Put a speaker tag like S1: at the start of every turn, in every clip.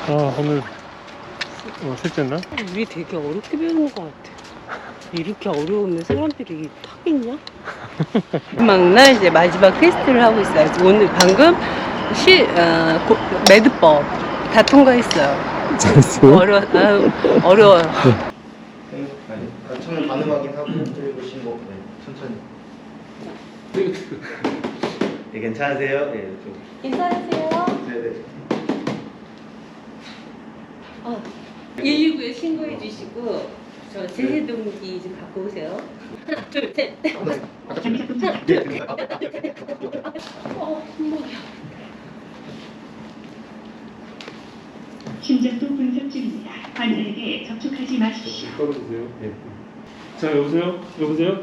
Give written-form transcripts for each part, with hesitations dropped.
S1: 아, 오늘 셋째 날?
S2: 우리 되게 어렵게 배우는 것 같아. 이렇게 어려우면 사람들이 타겠냐? 마지막날 이제 마지막 테스트를 하고 있어요. 오늘 방금 매듭법 다 통과했어요.
S1: 잘했어요?
S2: 어려워요.
S3: 처음에 반응 확인하고 그리고 신고. 네, 천천히. 네, 괜찮으세요? 네, 좀.
S2: 괜찮으세요?
S3: 네네.
S2: 119에 신고해 주시고 저 제해동기 좀 갖고 오세요. 하나, 둘, 셋. 행복이야.
S4: 심장도 분석 중입니다. 환자에게 접촉하지 마십시오.
S1: 떨어주세요. 네. 자, 여보세요? 여보세요?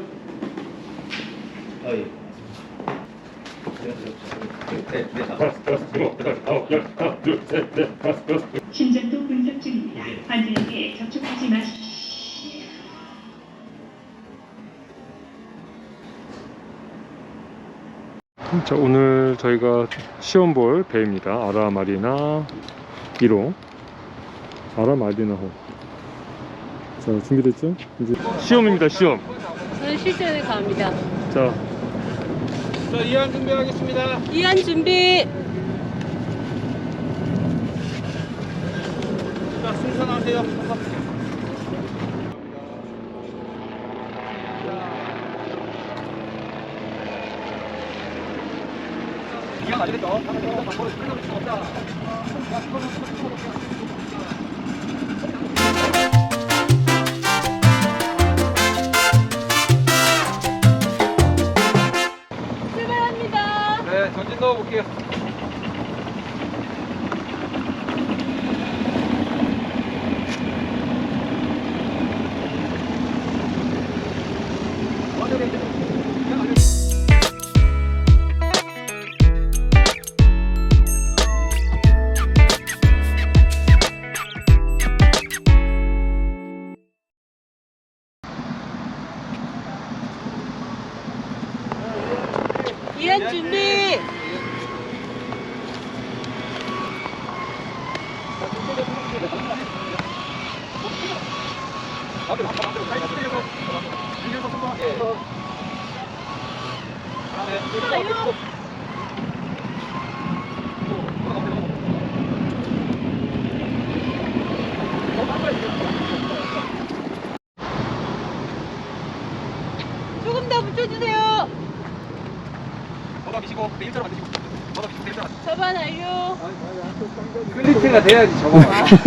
S3: 예.
S4: 심장도 분석 중입니다. 환자에게 접촉하지 마십시오.
S1: 자, 오늘 저희가 시험 볼 배입니다. 아라마리나 1호. 아라마리나호. 자, 준비됐죠? 이제 시험입니다, 시험.
S2: 저는 실전에 갑니다.
S1: 자,
S5: 이완 준비하겠습니다.
S2: 이안 준비.
S5: 자, 승선하세요. 이완 안 되겠다.
S2: 출발합니다.
S5: 네, 전진 넣어볼게요.
S2: 이안 준비. 조금 더 붙여주세요.
S5: 바닥 미시고, 일자로 만드시고. 바닥 미시고, 일자로 만드시고.
S2: 저반 완료.
S5: 클리트가 돼야지, 저거.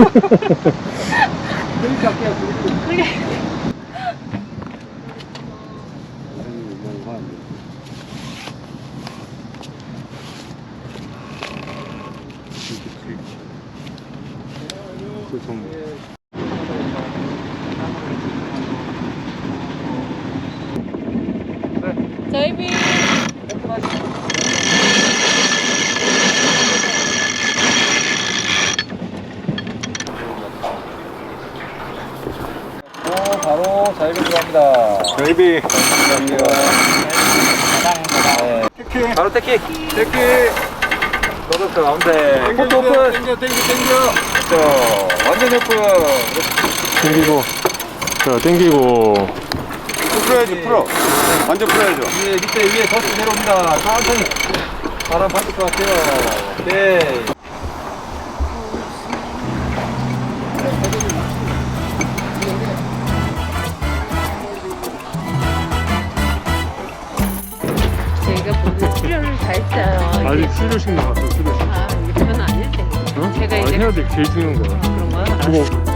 S5: 클리트 할게요, 클리트.
S2: 그래. 저희비.
S5: 바로 자유비 들어갑니다.
S1: 베이비.
S5: 네. 바로 태키. 너도 가운데. 포트 오픈. 땡겨. 자, 완전 오픈.
S1: 땡기고. 자, 땡기고.
S6: 풀어야지, 풀어. 완전 풀어야죠.
S5: 밑에 위에 더스 내려옵니다. 천천히. 바람 받을 것 같아요. 네.
S2: 저희가 모두 출연을 다 했어요.
S1: 아직 수료식 나왔어, 수료식.
S2: 이건 아닐 텐데.
S1: 어?
S2: 제가
S1: 아,
S2: 이제
S1: 해야 돼. 제일 중요한 거야.
S2: 그런 거요?
S1: 그거